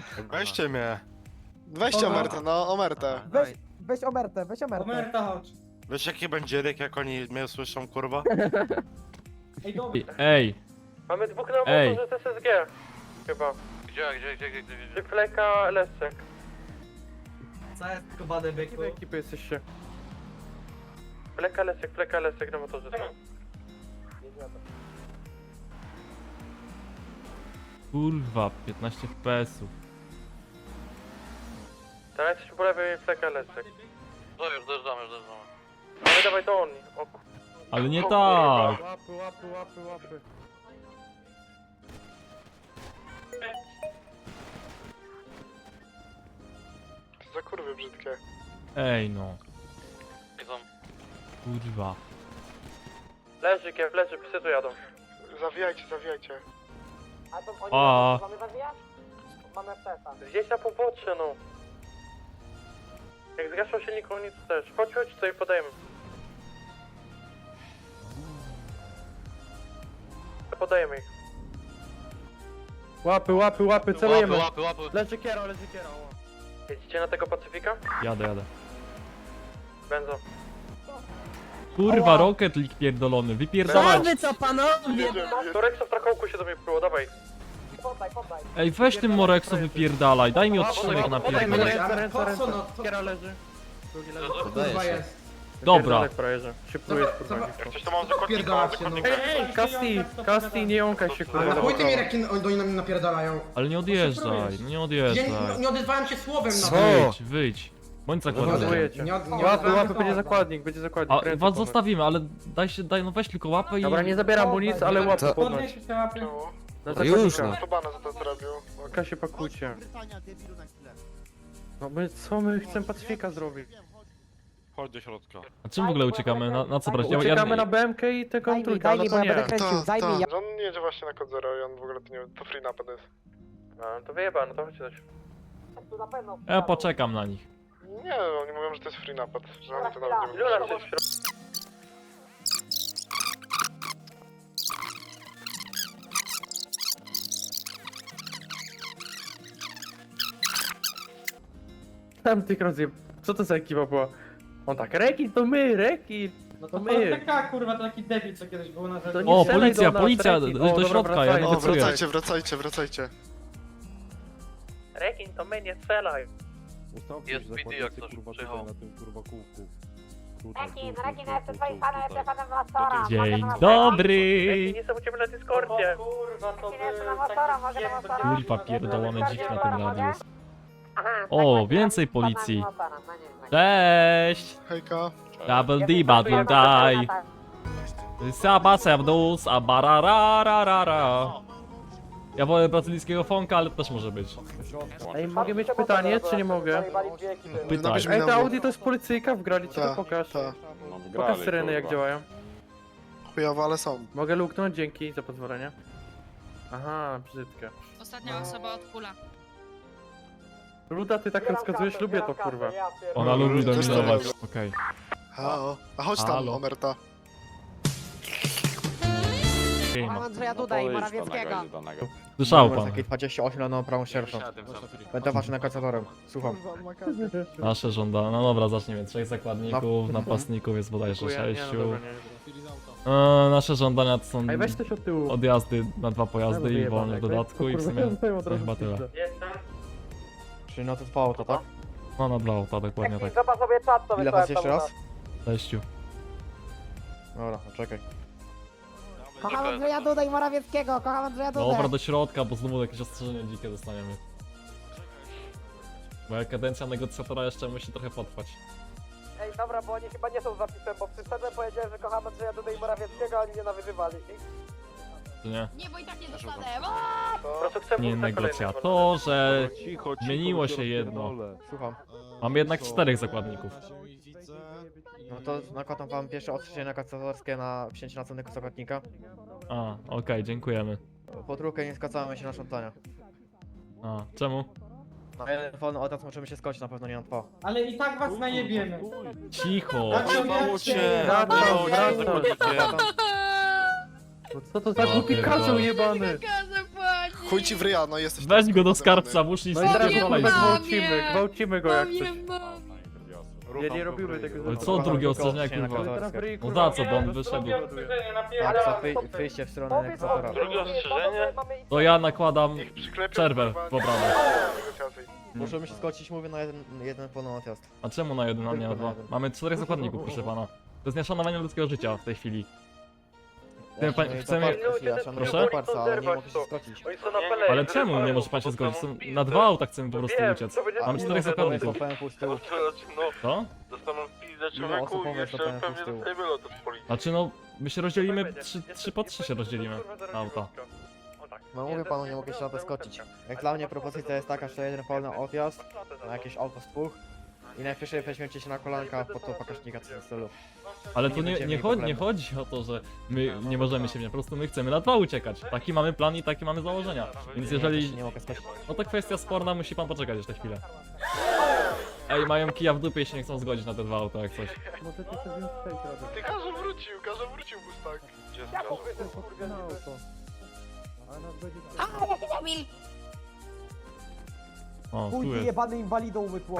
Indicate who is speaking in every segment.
Speaker 1: Weźcie mnie.
Speaker 2: Weźcie omertę, no omertę.
Speaker 3: Weź omertę, weź omertę.
Speaker 4: Omerta, chodź.
Speaker 1: Wiesz jaki będzie ryk, jak oni mnie słyszą, kurwa?
Speaker 4: Ej, dobra.
Speaker 5: Ej,
Speaker 6: Mamy dwóch na
Speaker 5: Ej.
Speaker 6: motorze z SSG. Chyba. Gdzie? Fleka, Leszczek.
Speaker 4: Co jest skubany byku?
Speaker 6: ekipy jesteście? Fleka, Leszczek na motorze.
Speaker 5: kurwa, 15 FPS-ów.
Speaker 6: Teraz jesteśmy po lewej, Fleka, Leszczek. No już dojeżdżamy. Ale dawaj to on. O,
Speaker 5: Ale nie
Speaker 6: o,
Speaker 5: tak!
Speaker 6: Łapy.
Speaker 2: Za kurwy brzydkie.
Speaker 5: Ej no, kurwa.
Speaker 6: Leży, psy tu jadą.
Speaker 2: Zawijajcie.
Speaker 3: A to oni
Speaker 5: A.
Speaker 3: mamy zawijać? Mamy FPS-a.
Speaker 6: Gdzieś na pobocze, no. Jak zgaszą się nikogo nic też. Chodź, tutaj podajemy. Podajemy ich.
Speaker 7: Łapy, celujemy.
Speaker 6: Leży kiero. Jedziecie na tego Pacyfika?
Speaker 5: Jadę.
Speaker 6: Benzo.
Speaker 5: Kurwa, Rocket League pierdolony, wypierdalać!
Speaker 3: co panowie?
Speaker 6: To Rexo w trakołku się do mnie było, dawaj.
Speaker 3: Poddaj.
Speaker 5: Ej, weź tym Morexo wypierdalaj, daj mi odcinek na pierdolę.
Speaker 4: Po co no?
Speaker 6: Kiero leży.
Speaker 4: Kurwa jest.
Speaker 5: Dobra,
Speaker 1: Jak coś to mam zakładnika,
Speaker 4: Pierdalać się, no.
Speaker 6: Kasti, nie jąkaj się,
Speaker 4: Ale na chuj ty mnie rekin oni na mnie napierdalają.
Speaker 5: ale nie odjeżdżaj, no nie
Speaker 4: Ja
Speaker 5: odjeżdżaj.
Speaker 4: nie odezwałem się słowem na
Speaker 5: Wyjdź. Bądź zakładnikiem.
Speaker 6: Łapy, będzie zakładnik,
Speaker 5: A was zostawimy, ale daj, no weź tylko łapę i...
Speaker 6: Dobra, nie zabieram mu nic, ale łapy
Speaker 4: Podnieś te łapy.
Speaker 6: Na już no.
Speaker 2: To bana za to zrobił.
Speaker 6: Kasie pakujcie. No co my chcemy Pacyfika zrobić?
Speaker 1: Chodź do środka.
Speaker 5: A czym w ogóle uciekamy? Na co brać?
Speaker 6: Uciekamy na BMK i tego
Speaker 3: Daj mi,
Speaker 6: trójka, no
Speaker 3: bo
Speaker 6: to
Speaker 3: ja
Speaker 6: nie.
Speaker 3: będę kręcił, zajmij.
Speaker 2: Że on nie jedzie właśnie na kod 0 i on w ogóle to nie to free napad jest.
Speaker 6: No to wyjebano, to chodźcie coś.
Speaker 3: Tu na pewno.
Speaker 5: Ja poczekam na nich.
Speaker 2: Nie, oni mówią, że to jest free napad, że oni to nawet nie
Speaker 6: Ilu
Speaker 2: mówią.
Speaker 6: nas jest w środku? Tam tych rozjeb... Co to za ekipa była? On tak, Rekin to my, Rekin!
Speaker 4: No to
Speaker 6: my.
Speaker 4: taka kurwa, to taki debil, co kiedyś był na
Speaker 6: To
Speaker 4: rzeczy.
Speaker 6: nie
Speaker 5: O,
Speaker 6: strzelaj
Speaker 5: policja,
Speaker 6: do nas,
Speaker 5: policja,
Speaker 6: Rekin.
Speaker 5: do
Speaker 6: O, dobra,
Speaker 5: środka,
Speaker 6: wracaj.
Speaker 5: ja
Speaker 2: O,
Speaker 5: negocjuję.
Speaker 2: wracajcie.
Speaker 6: Rekin to my, nie strzelaj!
Speaker 1: Jest PD jak coś przyjechał.
Speaker 3: Rekin, jestem twoim fanem, jestem fanem motora.
Speaker 5: Dzień dobry!
Speaker 6: Nie są u ciebie na Discordzie!
Speaker 4: Kurwa, to
Speaker 3: Jestem na motora, mogę na motora?
Speaker 5: Kurwa, pierdolony dzik na tym radius.
Speaker 3: Aha,
Speaker 5: O,
Speaker 3: tak,
Speaker 5: więcej
Speaker 3: tak,
Speaker 5: policji.
Speaker 3: tak, motora, no nie,
Speaker 5: Cześć!
Speaker 2: Hejka.
Speaker 5: Double D, battle die! Saba serdusz, a bararararara. Ja wolę brazylijskiego fonka, ale też może być.
Speaker 6: Ej, mogę mieć pytanie, czy nie mogę?
Speaker 5: Pytaj.
Speaker 6: Ej, to Audi to jest policyjka, wgrali ci to, pokaż.
Speaker 2: Ta.
Speaker 6: Pokaż syreny jak działają.
Speaker 2: Chujowo, ale są.
Speaker 6: Mogę luknąć, dzięki za pozwolenie. Aha, brzydkie.
Speaker 8: Ostatnia osoba od kula.
Speaker 6: Ruda, ty tak rozkazujesz, lubię to kurwa.
Speaker 5: Ona lubi
Speaker 2: Też to
Speaker 5: dominować.
Speaker 2: lubię.
Speaker 5: Okej.
Speaker 2: A chodź tam,
Speaker 5: Halo.
Speaker 2: omerta.
Speaker 3: Mam Andrzeja Duda i Morawieckiego.
Speaker 5: Słyszał pan.
Speaker 7: 28 na nową prawą sierpą. Będę waszym negocjatorem. Słucham.
Speaker 5: Nasze żądania. No dobra, zaczniemy. 3 zakładników, napastników jest bodajże
Speaker 6: Dziękuję.
Speaker 5: 6.
Speaker 6: Nie, no dobra, nie.
Speaker 5: Nasze żądania to są
Speaker 6: Ej, weź coś od tyłu.
Speaker 5: odjazdy na 2 pojazdy i wolne w dodatku i w sumie
Speaker 6: to
Speaker 5: chyba tyle.
Speaker 6: Jestem.
Speaker 7: Czyli na to 2 auto, tak?
Speaker 5: No na 2 auta, dokładnie tak.
Speaker 3: Zobacz sobie czat, co
Speaker 7: Ile was jeszcze raz?
Speaker 5: 6.
Speaker 7: Dobra, czekaj.
Speaker 3: Kocham Andrzeja Duda i Morawieckiego, kocham Andrzeja Duda.
Speaker 5: Dobra, do środka, bo znowu jakieś ostrzeżenie dzikie dostaniemy. Moja kadencja negocjatora jeszcze musi trochę potrwać.
Speaker 3: Ej, dobra, bo oni chyba nie są zapisem, bo przyszedłem, powiedziałem, że kocham Andrzeja Duda i Morawieckiego, a oni mnie nawyzywali.
Speaker 5: Czy nie?
Speaker 8: Nie, bo i tak nie dostanę.
Speaker 6: Po prostu chcę
Speaker 5: Nie
Speaker 6: pójść na kolejny,
Speaker 5: negocjatorze. Zmieniło się jedno.
Speaker 7: Słucham.
Speaker 5: Mamy jednak 4 zakładników.
Speaker 7: No to nakładam wam pierwsze ostrzeżenie negocjatorskie na wsięcie następnego zakładnika.
Speaker 5: A, okej, dziękujemy.
Speaker 7: Po trójkę nie zgadzamy się na żądania.
Speaker 5: A, czemu?
Speaker 7: Na jeden wolny odjazd możemy się skończyć, na pewno nie na 2.
Speaker 4: Ale i tak was najebiemy.
Speaker 5: Cicho!
Speaker 1: Udało cię!
Speaker 6: Wracam, wracam.
Speaker 1: Zakończycie.
Speaker 6: Co to za głupi
Speaker 5: pierdolę.
Speaker 6: kaczeł jebany?
Speaker 8: Kasę płaci.
Speaker 2: Chuj ci w ryja, no jesteś...
Speaker 5: Weź
Speaker 2: tam,
Speaker 5: go do
Speaker 2: kurwa,
Speaker 5: skarbca, muszli
Speaker 6: No i teraz
Speaker 8: Mamie,
Speaker 6: kurwa
Speaker 8: mamie.
Speaker 6: gwałcimy go jak coś.
Speaker 8: Mamie.
Speaker 6: Nie, nie robimy tego.
Speaker 5: Ale co drugie ostrzeżenie, kurwa? No za co, bo on wyszedł.
Speaker 7: Aksa, wyjście w stronę
Speaker 3: Powiedz
Speaker 7: egzekwatora.
Speaker 6: Drugie ostrzeżenie?
Speaker 5: To ja nakładam
Speaker 2: Przyklepię,
Speaker 5: przerwę
Speaker 2: kurwa,
Speaker 5: w obradach.
Speaker 2: negocjacji.
Speaker 7: Możemy się zgodzić, mówię na jeden pełny odjazd.
Speaker 5: A czemu na jeden, a nie na dwa? Mamy 4 zakładników, proszę pana. To jest nieszanowanie ludzkiego życia w tej chwili. Chcemy... Proszę?
Speaker 7: Ale nie mogę się zgodzić.
Speaker 6: Oni są na pelerze.
Speaker 5: Ale czemu nie może pan się zgodzić? Na 2 auta chcemy po prostu uciec. Mamy 4 zakładników.
Speaker 7: Powiem z tyłu.
Speaker 5: Co?
Speaker 6: Dostaną pizdę
Speaker 7: Ile osób
Speaker 6: człowieku i
Speaker 7: pomysł
Speaker 6: jeszcze
Speaker 7: dostałem
Speaker 6: pewnie
Speaker 7: z tyłu?
Speaker 6: dostajemy lot od policji.
Speaker 5: Znaczy no, my się rozdzielimy, 3 po 3 się rozdzielimy auta.
Speaker 7: No mówię panu, nie mogę się na to zgodzić. Jak dla mnie propozycja jest taka, że jeden pełny odjazd na jakieś auto z dwóch i najpierw weźmiecie się na kolanka, po to pokaźnika co w stylu.
Speaker 5: Ale tu
Speaker 7: Nie
Speaker 5: nie
Speaker 7: będziemy mieli problemu.
Speaker 5: chodzi o to, że my nie możemy się, po prostu my chcemy na 2 uciekać. Taki mamy plan i takie mamy założenia. Więc jeżeli...
Speaker 7: Nie mogę zgodzić.
Speaker 5: No to kwestia sporna, musi pan poczekać jeszcze chwilę. Ej, mają kija w dupie i się nie chcą zgodzić na te 2 auta jak coś.
Speaker 2: Ty Karze wrócił Mustang. Gdzie jest Karze?
Speaker 8: Kamil.
Speaker 5: O,
Speaker 3: Chuj
Speaker 5: tu
Speaker 3: ty
Speaker 5: jest.
Speaker 3: jebany inwalidą umytło.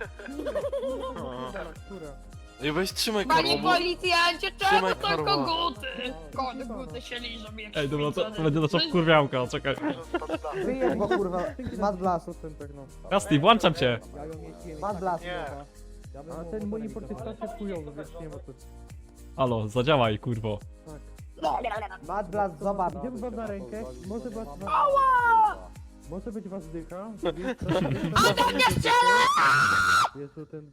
Speaker 1: Ej, weź trzymaj
Speaker 8: Panie
Speaker 1: karło, bo...
Speaker 8: policjancie, czemu
Speaker 1: Trzymaj
Speaker 8: to
Speaker 1: karła.
Speaker 8: koguty? Koguty się liżą jak
Speaker 5: Ej, dobra,
Speaker 8: świece.
Speaker 5: to będzie nasza kurwiałka, czekaj.
Speaker 3: Wyjedź go kurwa. Mad blast.
Speaker 5: Kasti, włączam cię!
Speaker 3: Mad blast.
Speaker 2: Nie.
Speaker 4: A ten monitor jest strasznie chujowy, więc nie ma to.
Speaker 5: Halo, zadziałaj, kurwo.
Speaker 3: Mad blast, zobacz.
Speaker 4: Idziemy wam na rękę, może was... Może być was dycha. Jest tu ten...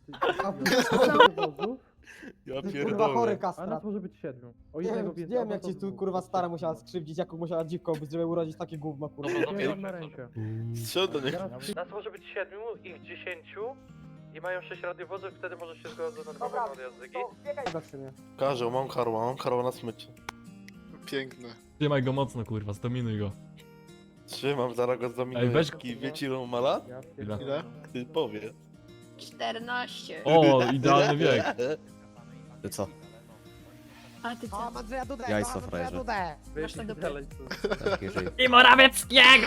Speaker 1: Ja
Speaker 3: Kurwa chory
Speaker 4: A
Speaker 3: kastrat.
Speaker 4: nas może być 7. O
Speaker 3: Nie
Speaker 4: jednego
Speaker 3: wiem,
Speaker 4: więcej.
Speaker 3: nie wiem jak ci tu kurwa stara musiała skrzywdzić, jaką musiała dziwką być, żeby urodzić takie gówno kurwa.
Speaker 4: Idziemy wam na rękę.
Speaker 1: Strzel do niego.
Speaker 6: Nas może być 7, ich 10 i mają 6 radiowozów, wtedy może się zgodzą na dwa
Speaker 3: Dobra,
Speaker 6: odjazdy.
Speaker 3: to biegaj do szyny.
Speaker 1: Karzeł, mam karła na smyczy.
Speaker 2: Piękne.
Speaker 5: Trzymaj go mocno, kurwa, zdominuj go.
Speaker 1: Trzymam, zaraz go zdominuję.
Speaker 5: Ej, weź-
Speaker 1: Wiecie ile ma lat?
Speaker 5: Ile?
Speaker 2: Ile?
Speaker 1: Ty powie.
Speaker 8: 14.
Speaker 5: O, idealny wiek.
Speaker 7: Ty co?
Speaker 8: A ty co?
Speaker 3: Mam Andrzeja Dudę,
Speaker 7: Jajco,
Speaker 3: mam Andrzeja
Speaker 7: frajerze.
Speaker 3: Dudę.
Speaker 8: Masz na dupę.
Speaker 7: Taki żyje.
Speaker 5: I Morawieckiego!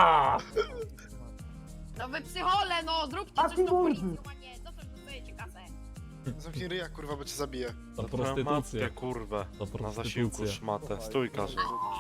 Speaker 8: No wy psychole, no zróbcie
Speaker 3: A
Speaker 8: coś
Speaker 3: ty
Speaker 8: do
Speaker 3: mordy.
Speaker 8: policji, a nie, za co dostajecie kasę?
Speaker 2: Zamknij ryja, kurwa, bo cię zabiję.
Speaker 5: To
Speaker 1: Matkę,
Speaker 5: prostytucję.
Speaker 1: kurwę.
Speaker 5: To
Speaker 1: Na zasiłku
Speaker 5: prostytucję.
Speaker 1: szmatę. Stój, Karzeł.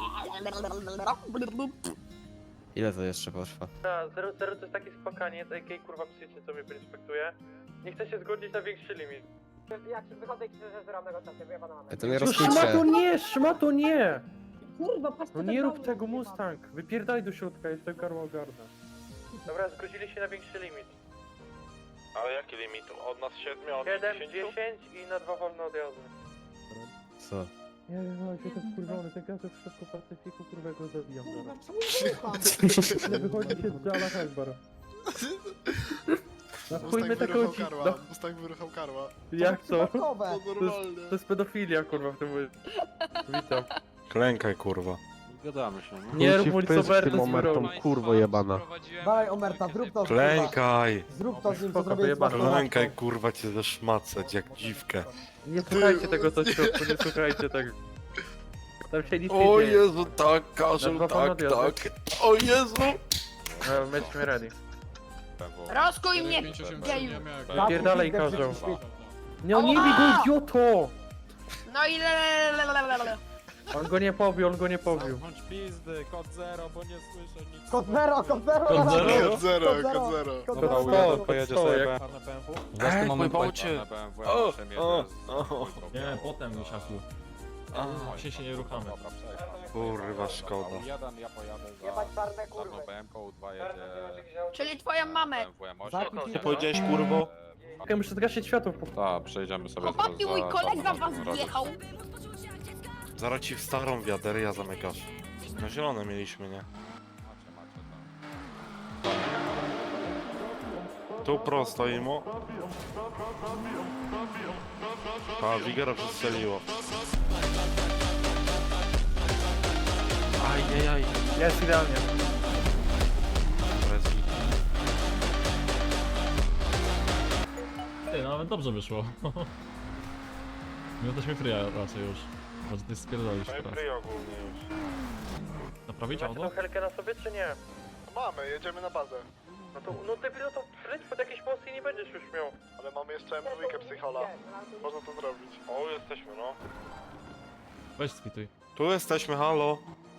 Speaker 7: Ile to jeszcze potrwa?
Speaker 6: 0 to jest taki spokaniec, AK kurwa psychicznie co mnie inspektuje. Nie chce się zgodzić na większy limit.
Speaker 3: Jak się wychodzę i krzyczę, że zram negocjację, wyjebana mamy.
Speaker 7: To mnie
Speaker 4: Szmato nie!
Speaker 3: Kurwa, patrz
Speaker 4: No nie rób tego Mustang! Wypierdaj do środka, jestem karła ogarnę.
Speaker 6: Dobra, zgodzili się na większy limit.
Speaker 1: Ale jaki limit? Od nas 7, od
Speaker 6: 7, 10 i na 2 wolne odjazdy.
Speaker 7: Co?
Speaker 4: Nie wiem, ale się ten skurwiony, ten gaz w środku Pacyfiku, kurwa go zabijam
Speaker 3: Kurwa,
Speaker 4: zaraz.
Speaker 3: czemu wyjebam?
Speaker 4: Nie wychodzi się z Jala Hezbar. Na chuj
Speaker 2: Mustang
Speaker 4: my taką
Speaker 2: wyruchał
Speaker 4: ci...
Speaker 2: karła.
Speaker 4: No,
Speaker 2: Mustang wyruchał karła.
Speaker 4: jak to?
Speaker 3: Przypadkowe.
Speaker 2: To normalne.
Speaker 4: To jest pedofilia, kurwa, w tym momencie. Witam.
Speaker 1: Klękaj, kurwa.
Speaker 9: Zgadamy się, no.
Speaker 4: Nie rób Lisoberto z wyrą.
Speaker 1: kurwo jebana.
Speaker 3: Dawaj Omerta, zrób to kurwa.
Speaker 1: Klękaj!
Speaker 3: Zrób to z nim, co
Speaker 4: Spoko,
Speaker 3: zrobiłeś z
Speaker 4: wyjebane.
Speaker 3: Bartolomą.
Speaker 1: Klękaj, kurwa, cię zeszmacać jak dziwkę.
Speaker 4: Nie słuchajcie tego co w środku, nie słuchajcie tego. Tam się nic
Speaker 1: O
Speaker 4: nie dzieje.
Speaker 1: Jezu, tak, Karzeł,
Speaker 4: Na dwa
Speaker 1: tak,
Speaker 4: panowie,
Speaker 1: tak. O Jezu!
Speaker 4: Jesteśmy ready.
Speaker 8: Rozkuj mnie, geju.
Speaker 4: Pierdalej
Speaker 3: Zamknij
Speaker 4: każą.
Speaker 3: drzwi, drzwi.
Speaker 4: No nie bij go, idioto!
Speaker 8: No i le.
Speaker 4: On go nie pobił, on go nie pobił.
Speaker 9: Zamknąć pizdy, kod 0, bo nie słyszę nic.
Speaker 3: Kod zero, kod zero.
Speaker 5: Kod zero?
Speaker 2: Kod zero, kod zero.
Speaker 3: Kod
Speaker 4: Dobra,
Speaker 3: zero.
Speaker 4: sto,
Speaker 9: Pojedzie
Speaker 4: sto,
Speaker 9: sobie
Speaker 4: jak-
Speaker 9: czarne BMW?
Speaker 1: Ej, pojebało cię!
Speaker 9: Czarne BMW,
Speaker 1: O,
Speaker 9: ja muszę
Speaker 1: o,
Speaker 9: jedzie z
Speaker 1: o.
Speaker 9: dwójką.
Speaker 5: Nie, potem, Lusiaku.
Speaker 1: A,
Speaker 5: Się nie ruchamy.
Speaker 9: Dobra, przejdź.
Speaker 1: kurwa, szkoda.
Speaker 9: Jeden, ja pojadę
Speaker 3: Jebać
Speaker 9: za
Speaker 3: czarne
Speaker 9: czarną
Speaker 3: kurwy.
Speaker 9: BMW, 2 jedzie
Speaker 8: Czyli twoją mamę.
Speaker 9: BMW M8.
Speaker 3: Zamknij
Speaker 1: Ty powiedziałeś, kurwo?
Speaker 4: Okej, muszę zgasić światło.
Speaker 9: Tak, przejdziemy sobie
Speaker 8: Chłopaki, mój kolega was wjechał.
Speaker 1: Zaraz ci w starą wiaderia zamykasz. Na zielone mieliśmy, nie? Tu prosto imo. A, Wigera przestrzeliło. Ajajaj.
Speaker 4: Jest idealnie.
Speaker 1: Rezi.
Speaker 5: Ty, no nawet dobrze wyszło. My jesteśmy free raczej już. Może ty spierdolisz teraz.
Speaker 1: ogólnie już.
Speaker 5: Naprawdę? Robić
Speaker 6: Macie tą
Speaker 5: auto?
Speaker 6: helkę na sobie, czy nie?
Speaker 2: Mamy, jedziemy na bazę.
Speaker 6: No to, no debilu, to leć pod jakieś mosty i nie będziesz już miał.
Speaker 2: Ale mamy jeszcze M2 psychola. Można to zrobić.
Speaker 1: O, jesteśmy, no.
Speaker 5: Weź spituj.
Speaker 1: Tu jesteśmy, halo.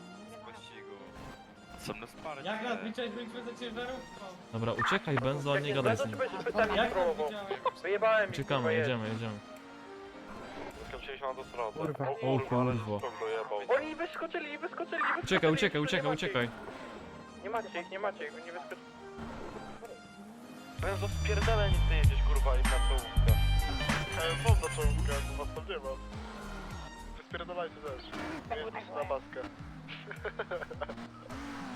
Speaker 10: Jak nas liczyć, byliśmy za ciężarówką?
Speaker 5: Dobra, uciekaj Benzo,
Speaker 6: Jak
Speaker 5: nie gadaj z
Speaker 6: to
Speaker 5: nim.
Speaker 6: czy będziesz pytami
Speaker 10: Jak
Speaker 6: próbował? Wyjebałem ich, kurwa,
Speaker 5: Uciekamy,
Speaker 6: jedź.
Speaker 5: jedziemy.
Speaker 1: Skończyliśmy na autostradę.
Speaker 7: Kurwa.
Speaker 5: O kurwa.
Speaker 1: Skok dojebał.
Speaker 6: Oni wyskoczyli.
Speaker 5: Uciekaj.
Speaker 6: Nie macie ich, wy nie wyskoczyli.
Speaker 1: Benzo, spierdalaj, nic nie jedziesz, kurwa, i na czołówkę.
Speaker 2: Mam na czołówkę, bo was tam nie ma. Wyspierdolajcie też. Jedźcie na baskę.